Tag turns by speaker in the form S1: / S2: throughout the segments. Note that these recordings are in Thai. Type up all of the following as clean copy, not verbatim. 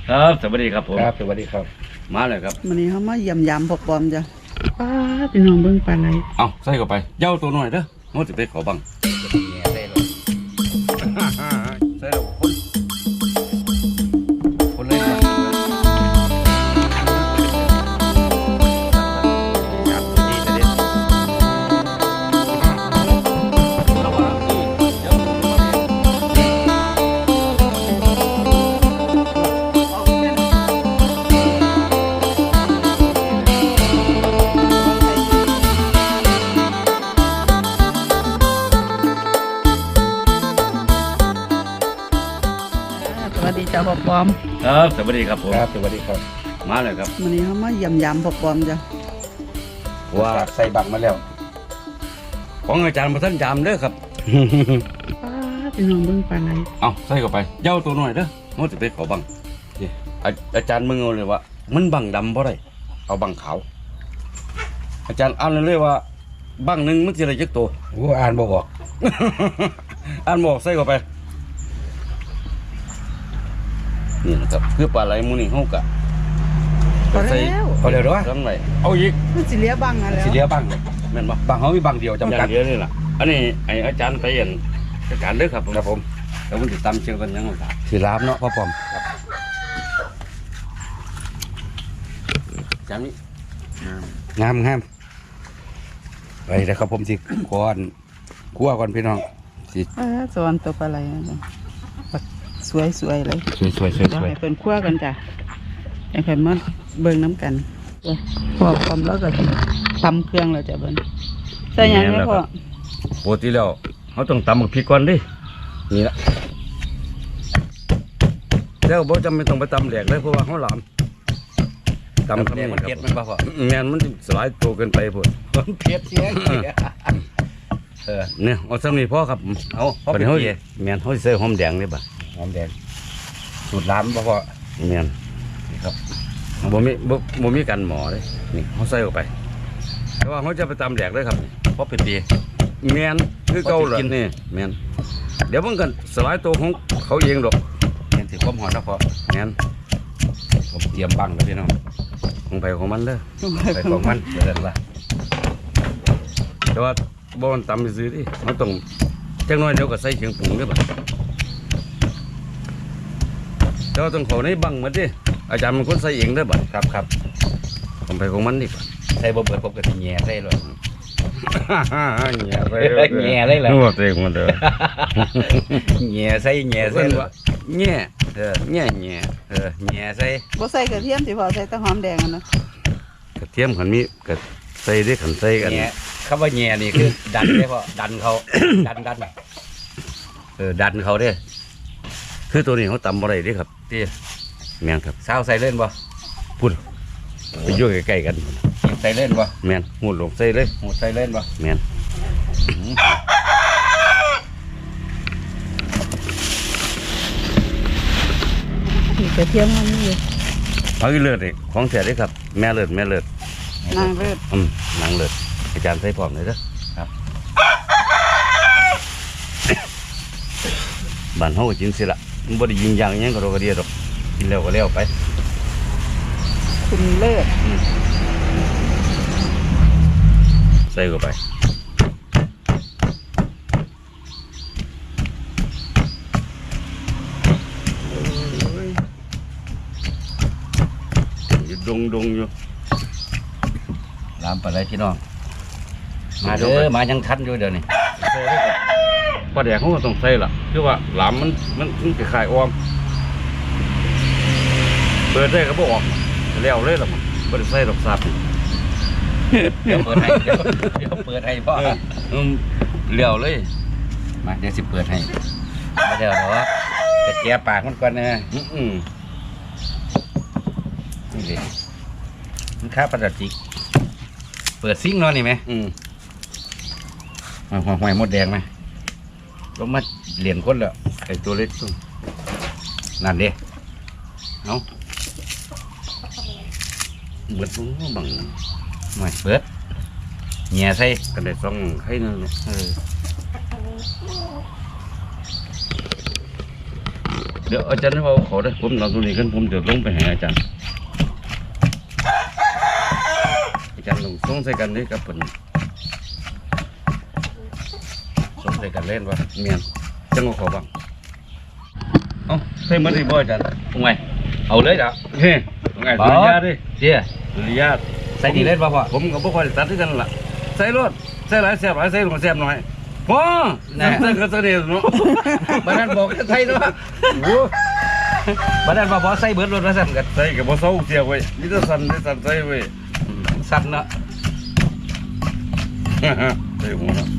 S1: ครับสวัสดีครับผม
S2: ครับสวัสดีครับ
S1: มาเลยครับ
S3: วันนี้เขามาเยี่ยมยามพวกปอมจ้ะป้าพี่น้องเบิ่งปลาไหล
S1: เอาใส่เข้าไปเย้าตัวหน่อยเด้อมันจะไปขอบังใส่เลยคนเลย
S3: สวัสดีจ้าพวกปอม
S1: ครับสวัสดีครับผม
S2: ครับสวัสดีครับ
S1: มาเลยครับ
S3: วันนี้เขามาเยี่ยมยามพวกปอมจ้ะ
S2: ว่าใส่บักมาแล้ว
S1: ของอาจารย์มาท่านจามเด้อครับ
S3: ป้าพี่น้องเบิ่งปลาไหล
S1: เอาใส่เข้าไปเย้าตัวหน่อยเด้อมันจะไปขอบังอาจารย์มึงเอาเลยว่ามันบังดำเพราะไรเอาบังขาวอาจารย์อ่านเลยว่าบังหนึ่งมันจะอะไรจักตัว
S2: อ่านบอก
S1: อ่านบอกใส่เข้าไปนี่นะครับคือปลาไหลมูนี่เขากะ
S3: พอแล้ว
S2: เอาเร็วด้วย
S1: ทำไรเอาอีก
S3: มันสิเหลียบังอะไร
S2: สีเหลียวบัง
S1: แม่นบ่
S2: บังเขามีบังเดียวจำกัด
S1: อย่างเดียวนี่แหละอันนี้ไออาจารย์ไปเห็นจัดการเด้อครับ
S2: ครับผม
S1: แล้วมันติดตามเชื่อกันยังไงครับ
S2: สีลามเนาะพ่อปอม
S1: อาจารย์นี่
S2: งามไปเลยครับผมสิก่อนคั่วก่อนพี่น้องสิ
S3: สวนตัวปลาไหลจ้ะสวยๆเลย
S2: สวย
S3: เดี๋ยวให้เพิ่นคั่วกันจ้ะให้เพิ่นมาเบิ่งน้ำกันพอปอมแล้วก็ทำเครื่องแล้วจ้ะเบิ่นใส่หยังไงพ่อ
S1: ปกติแล้วเขาต้องตำกับพริกก่อนดินี่ละแล้วบ่จำเป็นต้องไปตำแหลกเลยเพราะว่าเขาหลามตำทำนี่มันเผ็ดมันบ่พอแม่นมันสลายตัวเกินไปพุ่น
S2: มันเผ็ดเสีย
S1: เนี่ยเอาซ้ำนี่พ่อครับเอาพอเป็นเฮ้ยแม่นเขาใส่หอมแดงนี่บ่
S2: หอมแดงสูตรลามพ่อ
S1: แม่น
S2: นี่ครับ
S1: บ่มีกันหมอเลยนี่เขาใส่เข้าไปแต่ว่าเขาจะไปตำแหลกเลยครับเพราะเป็นดีแม่นคือเก่าเลยนี่แม่นเดี๋ยวมันกันสลายตัวของเขาเองดอก
S2: เห็นถือความหอมนะพ่อ
S1: แม่น
S2: ผมเตรียมบังแล้วพี่น้อง
S1: ของไปของมันเด้อ
S2: ใส่ของมันเดี๋ยวเดินละ
S1: แต่ว่าบ่มันตำไปซื้อดิมันต้องจังน้อยเดี๋ยวก็ใส่เครื่องปรุงเด้อบัดแต่ว่าต้องเขาในบังหมดดิอาจารย์มันคนใส่เองเด้อบัด
S2: ครับ
S1: ของไปของมันดิบัด
S2: ใส่บ่เบิดผมก็สิแย่ใส่เลย
S1: แง่ไป
S2: แง่เลยเหรอ
S1: นึกว่าตัวเองมันเด้อ
S2: แย่ใส่แย่ใส่
S1: เพิ่นว่าแง่แง่
S2: แย่ใส่
S3: บ่ใส่กระเทียมสิพอใส่แต่หอมแดงอะนะ
S1: กระเทียมขันมีกระใส่ได้ขันใส่กัน
S2: แย่คำว่าแย่นี่คือดันได้พ่อดันเขาดัน
S1: ดันเขาเด้คือตัวนี้เขาตำอะไรเด้ครับ
S2: ที่
S1: แม่นครับ
S2: สาวใส่เล่นบ่
S1: พูดไปอยู่ใกล้ๆกัน
S2: ใส่เล่นบ่
S1: แม่นหูดลงใส่เลย
S2: หูใส่เล่นบ่
S1: แม่น
S3: มีกระเทียมมันนี่อยู่
S1: เอาอีเลือดนี่ของเสียเด้ครับแม่เลือด
S3: นางเลิศ
S1: นางเลือดอาจารย์ใส่พร้อมเลยเด้อ
S2: ครับ
S1: บ้านเฮาก็กินสิละมันบ่ได้ยิงอย่างหยังก็โรกระเดียดอกกินแล้วก็แล้วไป
S3: คุณเลิศ
S1: ใส่เข้าไปอยู่ดงอยู่
S2: ลามไปเลยพี่น้องมาเด้อมายังทันอยู่เดี๋ยวนี้
S1: ใส่เลยครับปลาแดกเขาก็ต้องใส่ล่ะคือว่าหลามมันคล้ายๆอ้อมเปิดได้ก็บ่ออกแล้วเลยล่ะมันบ่ได้ใส่ดอกสับ
S2: เดี๋ยวเปิดให้เดี๋ยวเปิดให้พ่อ
S1: เลี้ยวเลย
S2: มาเดี๋ยวสิเปิดให้มาเดี๋ยวกระเจี๊ยบปากมันก่อนนะ นี่เลยมันค่าปลาจิกเปิดซิงค์เนาะนี่ไหมหอยมดแดงไหมลงมาเหรียญคนแล้ว
S1: ไอ้ตัวเล็กตุ้ง
S2: นั่นเด้
S1: เอาเบิดลงบัง
S2: หน่อยเปิดเงียใส่
S1: กันได้ซ่องให้นั่นเนาะเดี๋ยวอาจารย์ให้เขาได้ผมนอนตรงนี้กันผมจะลงไปหาอาจารย์ลงส่งใส่กันนี่กับเพิ่นส่งใส่กันเล่นวะเมียนจังหวะเขาบ้างเอ้าใส่มันได้บ่อาจารย์
S2: ตรงไหนเอาเลยจ้ะ
S1: เฮ้ยไงสุริยาดิ
S2: เดี๋ยว
S1: สุริยา
S2: ใส่ดีเล่นป่ะพ่อ
S1: ผมก็บ่ค่อยได้ตัดด้วยกันล่ะใส่รถใส่หลายแซ่บหลายใส่ลงแซ่บหน่อยพอใส่ก็ใส่เดียวเนาะ
S2: บ้านนั้นบอกใส่ด้วย
S1: โอ้
S2: บ้านนั้นบอกใส่เบิร์ดรถแล้วสั่นกัน
S1: ใส่ก็บ่เซาเสียเว้ยมีแต่สั่นได้สั่นใส่เว้ย
S2: สั่นเนาะ
S1: ใส่หัวเนาะ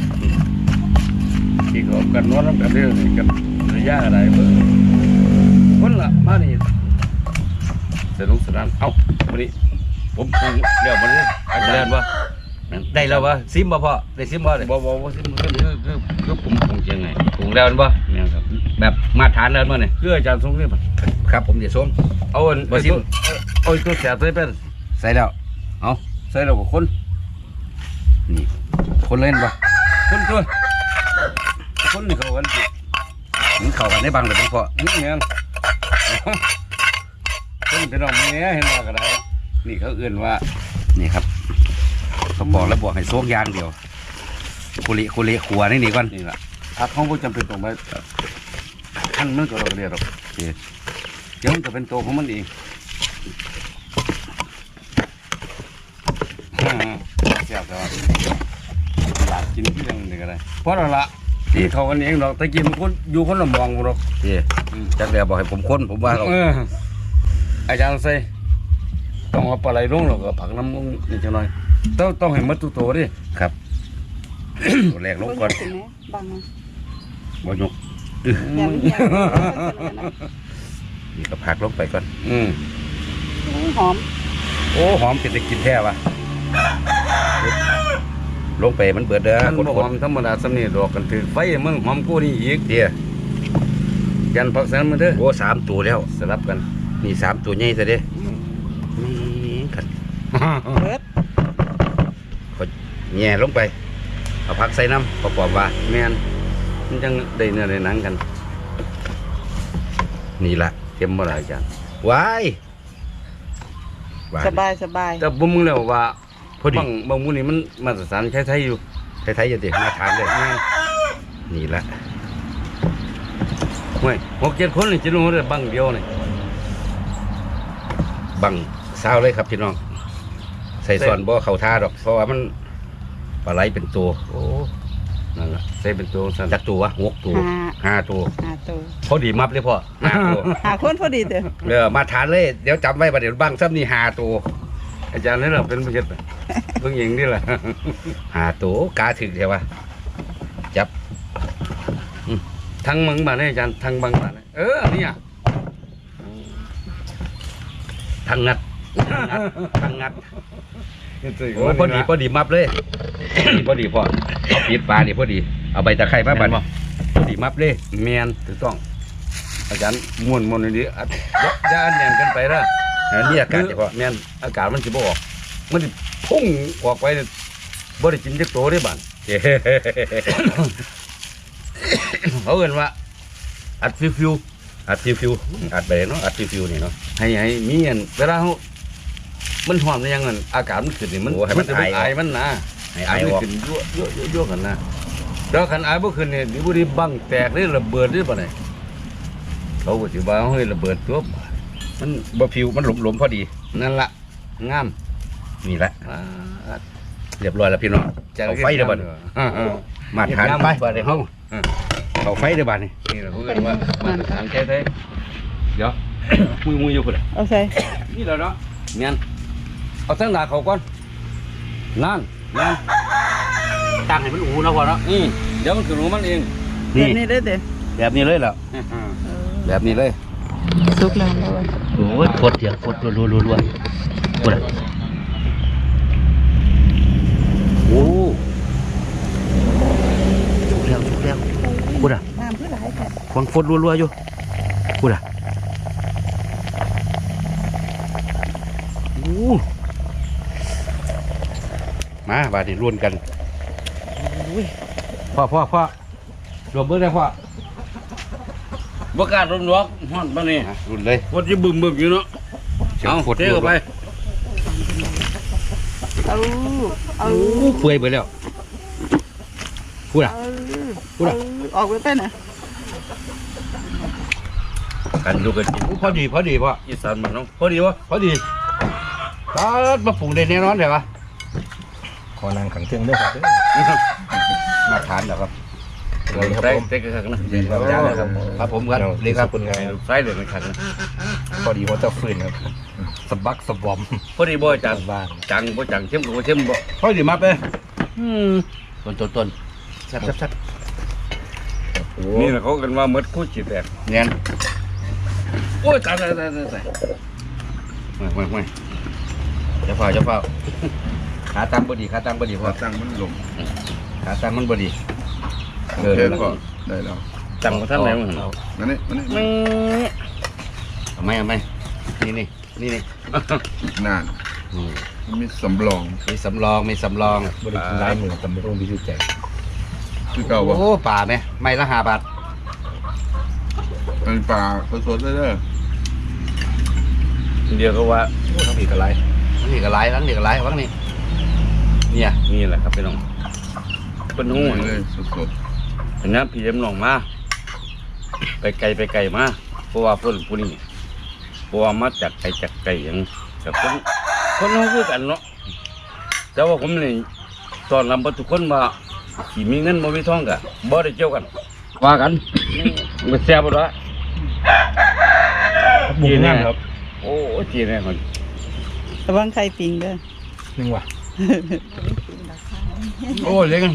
S1: ที่เขากันนอนนำกันเรื่องนี่กันระยะอะไรเบิ่งคนละมานี่สนุกสนานเอ้าวันนี้ผมปรุงแล้วมันนี่อาจารย์ว่า
S2: ได้แล้ววะซิมบ่พ่อได้ซิมบ่เลย
S1: บ่สิมันคือผมปรุงยังไง
S2: ปรุงแล้วบ่
S1: เนี่ยครับ
S2: แบบมาตรฐานแล้วมั้งเนี่ย
S1: คืออาจารย์ทรงนี่ป่ะ
S2: ครับผมเดี๋ยวส้ม
S1: เอาอัน
S2: บ่สิ
S1: เอาตัวแสบใส่เป็น
S2: ใส่แล้ว
S1: เอาใส่แล้วก็คน
S2: นี่คนเล่นป่ะ
S1: คนตัวคนนี่เขากันสิ
S2: มันเข้ากันได้บ้างเลยพ่อ
S1: นี่แม่นคนเป็นน้องแม่เห็นว่าก็ได้นี่เขาเอื้อนว่า
S2: นี่ครับเขาบอกแล้วบอกให้โซกยางเดียวคุเละขัวนี่ก่อน
S1: นี่ล่ะถ้าเขาบ่จำเป็นต้องไปขั้นมันก็เราเรียกหรอกเดี๋ยวมันจะเป็นตัวของมันเองแซ่บแต่ว่าอยากกินที่ยังนี่ก็ได้เพราะเราละที่เขากันเองดอกตะกี้มันคนอยู่คนละมองบ่ดอก
S2: จักแล้วบอกให้ผมค้นผมว่าเขา
S1: อาจารย์ใส่ต้องเอาปลาไหลลงแล้วก็ผักน้ำลงนิดหน่อยต้องให้หมดทุกตัวดิ
S2: ครับ ตัวแรกลงก่อน
S3: บังนะ
S2: บ่ยก
S3: แยม
S2: นี่ก็ผักลงไปก่อน
S3: หอม
S2: โอ้หอมเป็นตะกินแท้ว่ะลงไปมันเบิดเด้อ
S1: มัน
S2: คน
S1: บ่หอมธรรมดาสำนี่ดอกกันถือไฟมึงหอมกูนี่อีก
S2: เดี๋ยว
S1: ยันผักแสนมาเด้อ
S2: โอ้3 ตัวแล้ว
S1: สลับกัน
S2: นี่3 ตัวใหญ่ซะเด้นี่กัน
S3: เบิด
S2: แง่ลงไปเอาผักใส่น้ำประกอบว่า
S1: แม่นมันจังได้เนื้อได้หนังกัน
S2: นี่ละ
S1: เค็มบ่ล่ะอาจารย์
S2: ว้ายว้าย
S3: สบายสบาย
S1: แต่บ่มึงแล้วว่า
S2: พอดี
S1: บางมื้อนี่มันมาตรฐานไทยๆอยู่
S2: ไทยๆจะเด็กมาทานเลยนี่ละ
S1: ห้วย6-7คนนี่จะรู้ได้บังเดียวนี่
S2: บังเศร้าเลยครับพี่น้อง ใส่ส่วนบ่เข้าท่าดอก เพราะว่ามันปลาไหลเป็นตัว
S1: โอ้นั่นล่ะใส่เป็นตัวสั่น
S2: จักตัว6 ตัว 5 ตัว
S3: หาตัว
S2: พอดีมับเลยพ่อ5 ตัว
S3: หาคนพอดีเด้อ
S2: มาทานเลย เดี๋ยวจำไว้ประเดี๋ยวบังซ้ำนี่5 ตัว
S1: อาจารย์นี่เราเป็นผู้เฮ็ดน่ะเพิ่งหญิงนี่แหละ
S2: 5 ตัวกาถึกใช่ปะจับ
S1: ทั้งมังบาเนี่ยอาจารย์ทั้งบังบาเนี่ยเนี่ย
S2: ทางงัดทางงัด
S1: โอ้
S2: โอ้พอดีมับเลยพอดีพ่อเอาปิดปลานี่พอดีเอาใบตะไคร้มาบัดพอดีมับเลย
S1: เมียนถูกต้อง อาจารย์ม้วนดีๆอย่าอันแน่นกันไปนะ
S2: นี่อากาศเฉพาะ
S1: เมียนอากาศมันสิบ่ออกมันสิพุ่งออกไปเนี่ยบ่ได้กินจักโตได้บ้าน เขาเอิ้นว่าอัดฟิว
S2: อัดฟิวอัดไปเนาะอัดฟิวนี่เนาะ
S1: ให้มีอันเวลาเขามันหอมได้ยังเงินอากาศมันขึ้นนี่มัน
S2: โอ้ให้มัน
S1: จะเป็น
S2: ไอ
S1: ไอมันนะ
S2: ให้ไอออก
S1: ขึ้นยั่วกันนะแล้วคันไอบ่ขึ้นเนี่ยดิบุรีบังแตกหรือระเบิดหรือเปล่าเนี่ยเขาก็สิว่าเฮ้ยระเบิดตัว
S2: มันบ่ฟิวมันหลมพอดี
S1: นั่นล่ะงาม
S2: นี่แหละ
S1: อ่า
S2: เรียบร้อยแล้วพี่น้องเอาไฟเด้อบัด มาทานไปบัดนี้เฮาเอาไฟเด้อบัดนี้
S1: นี่แหละเขาเรียกว่ามาตรฐานแท้ๆเดี๋ยว มืออยู่พุ่นน่ะ
S3: เอาใส่
S1: นี่แหละเนาะเมียนเอาทั้งหน้าเขาก่อนนั่น
S2: ตั้งให้มันอูนะพ่อเนาะ
S1: เดี๋ยวมันขึ้นของมันเอง
S3: แบบนี้ได้เด้อ
S2: แบบนี้เลยเหรอแบบนี้เลย
S3: สุกแล้วแล้ว
S2: โอ้ยกดเสียงกดรัวๆกดอ่ะโอ้สุกแล้วกดอ่ะ
S3: น้ำคือหลายแท้
S2: ควงฟดรัวๆอยู่กดอ่ะโอ้มาบาดนี้ร่วนกันพ่อรวมเบิ้งได้พ่อ
S1: บ่กล้าโดนล็อกฮ้อนปานนี้
S2: รุ่นเลย
S1: คนสิบึ้มๆอยู่เนาะเอาเทเข้าไป
S3: เอาเอา
S2: เปื่อยไปแล้วพูดอ่ะ พูดอะ
S3: ออกไปเป็นน่ะ
S1: กันดูกันกิน
S2: พอดีพ่อ
S1: อีสานบ้านเนาะพอดีวะ
S2: พอดีตาดมาปรุงได้แน่นอนเลยปะ
S4: ขอนางขังเครื่องด้วยครับ
S2: มาทานเหรอครับ
S4: ครับ
S1: ใส่
S4: ผม
S1: ใส่กระชักนะ
S4: ครับอาจารย์นะครับ
S2: ครับผมครับนี่ครับ
S4: คุณไง
S1: ใส่เลยไม่ขัดนะ
S4: พอดีว่าจะฟื้นครับสะบักสะบอม
S1: พอดีบ่อาจารย์
S4: บ้าน
S1: จังบ่จังเข้มก็บ่เข้มบ่
S2: พอดีมาไป ต้นแซ่บ
S1: นี่แหละเขากันว่าหมดคู่จิตแตก
S2: เนียน
S1: โอ้ยตายไม่จะเฝ้า
S2: ขาตั้งบดีพอ
S5: ตั้งมันลง
S2: ขาตั้งมันบดี
S5: โอเคก็ได้แล้ว
S1: จังบ่ทันไหนมึง
S5: นั่นนี่มันนี่
S1: ไม่
S2: เอาไหมนี่
S5: อีกนานมันมีสำรอง
S2: มีสำรอง
S4: บริกินลายมือตำรวจพิจิตรแจก
S5: คือเก่าบ่
S2: โอ้ป่าไหมไม่ละ5 บาท
S5: เป็นปลาสดๆเลยเด้อ
S1: เดียวก็ว่า
S4: ทั้งปีกอะไร
S2: นี่ก็หลายวังนี่เนี่ย
S1: นี่แหละครับพี่น้องเป็นหู้
S5: เลยสด
S1: เห็นนะพี่เอ็มน้องมาไปไกลมาเพราะว่าเพิ่นผู้นี้เพราะว่ามาจากไกลอย่างกับคนเฮาคือกันเนาะแต่ว่าผมนี่ตอนรับทุกคนว่าสิมีเงินบ่มีทองก็บ่ได้เกี่ยวกัน ว่ากันมันแซ่บบ่ล่ะ
S4: บุกงานครับ
S1: โอ้จีแน่คน
S3: ระวังไข่ปิงเด้อ
S4: นึงว่ะ
S2: โอ้เล็ก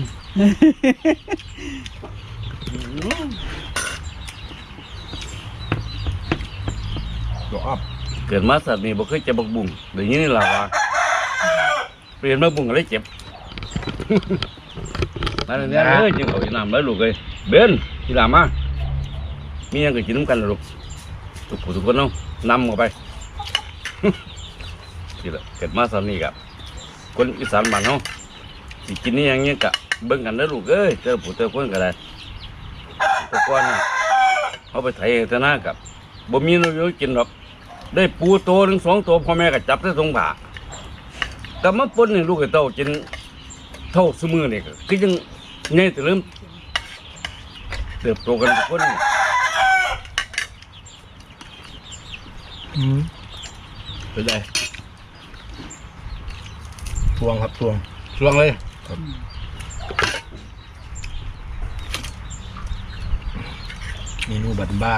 S4: ดอกอัพ
S1: เกิดมาสัตว์นี่บ่เคยเจ็บบักบุ้งเดี๋ยวนี้นี่ล่ะว่าเปลี่ยนมาบุ้งก็เลยเจ็บ มาเนี่ยเอ้ยจิงเอาอีน้ำแล้วลูกเอ้ยเบนอีหลามามีหยังก็กินน้ำกันล่ะลูกทุกผู้ทุกคนเนาะนำเข้าไป นี่แหละเกิดมาสัตว์นี่กับคนอีสานบ้านเฮาสิกินนี่อย่างเงี้ยกะเบิ่งกันเด้อลูกเอ้ยเจอผู้เจอคนก็ได้แต่ก่อนน่ะเอาไปไถแต่หน้ากับบ่มีเนาอยู่กินหรอกได้ปูตัวหนึ่ง2 ตัวพ่อแม่ก็จับได้ทรงผ่าแต่มาปนนี่ลูกไอ้เต้ากินเท่าซุมือนี่ก็คือยังใหญ่แต่เริ่มเติบโตกันทุกคนนี่
S2: เป็นไร
S4: ทวงครับทวง
S2: ช่วงเลย
S4: เมนูบ้าน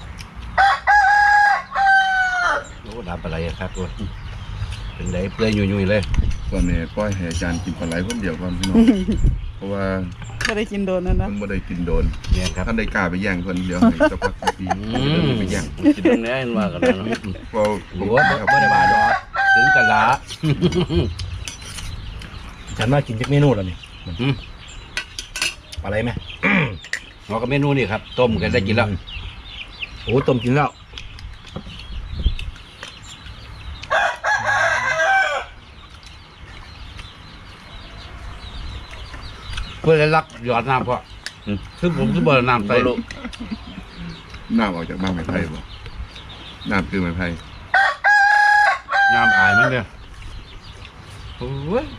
S2: โอ้ดับอะไรอะครับตัวเป็นไรเปลือยยุ่ยๆเลย
S5: ตอนนี้ปล่อยให้อาจารย์กินปลาไหลคนเดียวก่อนพี่น้อง เพราะว่า
S3: ก็ได้กินโดนนั่นนะ
S5: เพิ่งบ่ได้กินโดน
S2: เนี่ยครับ
S5: ท่านได้กล้าไปแย่งเพิ่นเดี๋ยวให้สักพักปีไปแย่ง
S1: กินตรงนี้เห็นว่ากันแล้วเนาะ
S5: เพราะ
S2: หรือว่าไม่ได้มาดอกถึงกันละ
S4: ๆฉันมากินจากเมนูแล้วนี่อะไรไหม
S2: เราก็เมนูนี่ครับต้มกันได้กินแล้ว
S4: โอ้ต้มกินแล้ว
S2: เพื่อได้รักหยอดน้ำพ่อซึ่งผมจะเบิร์น้ำใส่
S1: บ่รู้
S5: น้ำออกจากบ้านไม้ไผ่บ่น้ำคือไม้ไผ่
S2: น้ำอายมันเลยโอ้ย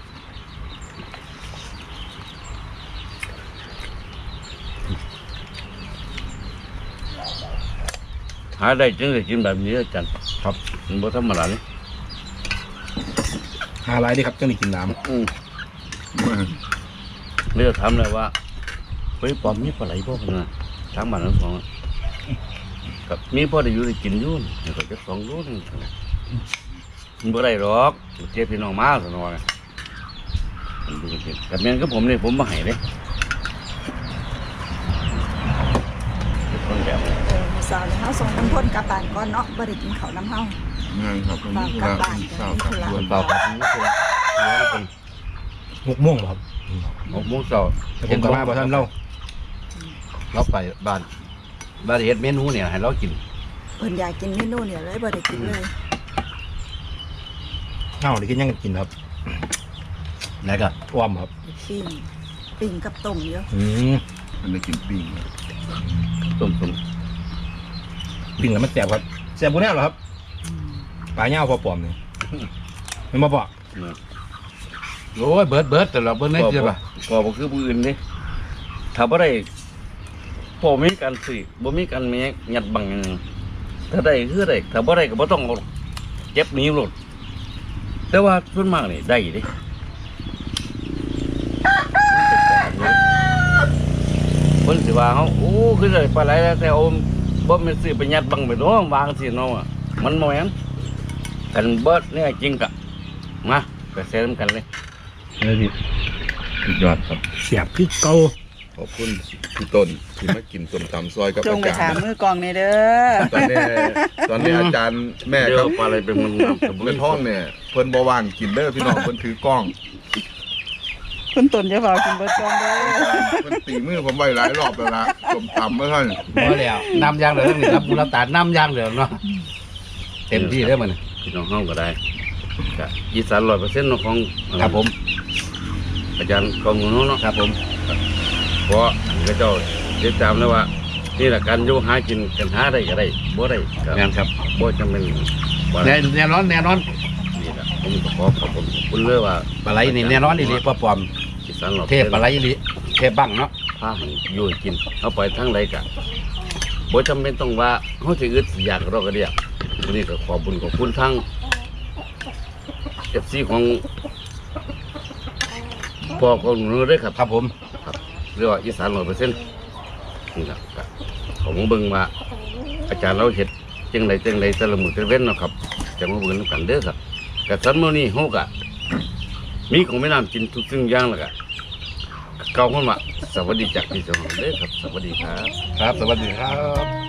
S1: หาได้จึงได้กินแบบนี้อาจารย์
S4: ครับ
S1: มันบ่ธรรมดาเลย
S4: หาลายดีครับจังได้กินน้
S1: เลือกถามเลยว่าเฮ้ยปอมมีปลาไหลบ่กันนะทางบ้านทั้งสองอะกับมีพ่อได้อยู่ได้กินอยู่นี่ก็จะ2 โลนึงมันบ่ได้หรอกเจ็บพี่น้องมาซะหน่อยมันดูกันกับแม่นกับผมนี่ผมบ่ให้เด้เป็นคนแบบนี้
S6: สาวเฮาส่งน้ำพ่นกลับบ้านก่อนเนาะบ่ได้กินข้าวน้ำเฮา
S5: งานครับมันมีธุระเช้าครับด่วน
S2: เบาครับนี่คือ
S4: ำ6 โมงครับ
S2: 6 โมงเช้า
S4: แต่ผมกลับมาบ่ทันเล่า
S2: เราไปบ้านเฮ็ดเมนูเนี่ยให้เรากิน
S6: เพิ่นอยากกินเมนูเนี่ยเลยบ่ได้กินเลย
S4: เอ้าได้กินยังกินครับ
S2: แล้วก็
S4: อ้อมครับ
S6: ปิ้งกับต้มเยอะ
S4: อืม
S5: มันได้กินปิ้ง
S1: ต้ม
S4: ปิ้งแล้วมันแสบครับแสบบุแน่เหรอครับปลาเน่าพอปลอมนี่มันมาบอก
S2: โอ้ยเบิดแต่เราเบิดได้เจ็บป่ะ
S1: พอบ่คือผู้อื่นนี่ถ้าบ่ได้พอมีการซื้อบ่มีการแม่ยัดบังหยังถ้าได้คือได้ถ้าบ่ได้ก็บ่ต้องเอาเก็บหนี้หลดแต่ว่าส่วนมากนี่ได้เด้เพิ่นสิว่าเฮาโอ้คือได้ปลาไหลแล้วแต่เอาบ่แม่นซื้อไปยัดบังไปน้องวางสิเนาะอะมันบ่แม่นกันเบิดเนี่ยจริงกะมาไปแซ่นำกันเลย
S4: เลยพี่
S5: สุดยอดครับ
S4: เสียบคือเก่า
S5: ขอบคุณพี่ต้นที่มากินส้มตำซอยกับ
S3: จง
S5: อา
S3: ไป
S5: จาร
S3: ถาม
S5: ย์
S3: มือกองนี่เด้อ
S5: ตอนนี้อาจารย์แม่
S1: เดี๋ย
S5: กั
S1: ว
S5: บ
S1: ปลาอะไรเป็นมันน้ำตะบุ
S5: เงินท้องเนี่ยเพิ่นบ่ว่างกินเด้อพี่น้องเพิ่นถือกล้อง
S3: คุณตุนจะเฝ้ากินเบิดกองเด้อ
S5: เพิ่นตีมือผมไว้หลายรอบแล้วล่ะส้มตำเมื่อท่าน
S2: พอแล้วน้ำยางเดี๋ยวนี่รับบุญรับตาน้ำยางเดี๋ยวเนาะเต็มที่แล้วมัน
S1: พี่น้องห้องก็ได้ก็อีสาน100%ของ
S2: ครับผม
S1: อาจารย์กองหนูเนาะ
S2: ครับผม
S1: เพราะพระเจ้าติดตามแล้วว่านี่แหละการอยู่หากินกันหาได้ก็ได้บ่ได้ก็
S2: งานครับ
S1: บ่จำเป็นว่า
S2: แน่นอน
S1: นี่แหละผมก็ขอขอบคุณเลยว่า
S2: ปลาไหลนี่แน่นอนดีๆปลาปลอม
S1: อีสาน100%
S2: เทพปลาไหลดีเทพบังเนาะ
S1: พาให้อยู่ให้กินเอาไปทั้งไรกะบ่จำเป็นต้องว่าเฮาสิอึดสิอยากเราก็เดียววันนี้ก็ขอบคุญขอบคุณทั้ง FC ของพ่อของหนูด้วยครับ
S2: ครับผม
S1: ครับเรียกว่าอีสาน100%นี่ครับก็ขอมาเบิ่งว่าอาจารย์เราเฮ็ดจังไดแต่ละมื้อแต่ละเว้นเนาะครับจะมาเบิ่งนำกันเด้อครับก็ซั่นมื้อนี้เฮาก็มีของแม่น้ำกินทุกสิ่งอย่างแล้วก็เก่าคนว่าสวัสดีจากพี่เจ้าของเด้อครับสวัสดีครับ
S2: ครับสวัสดีครับ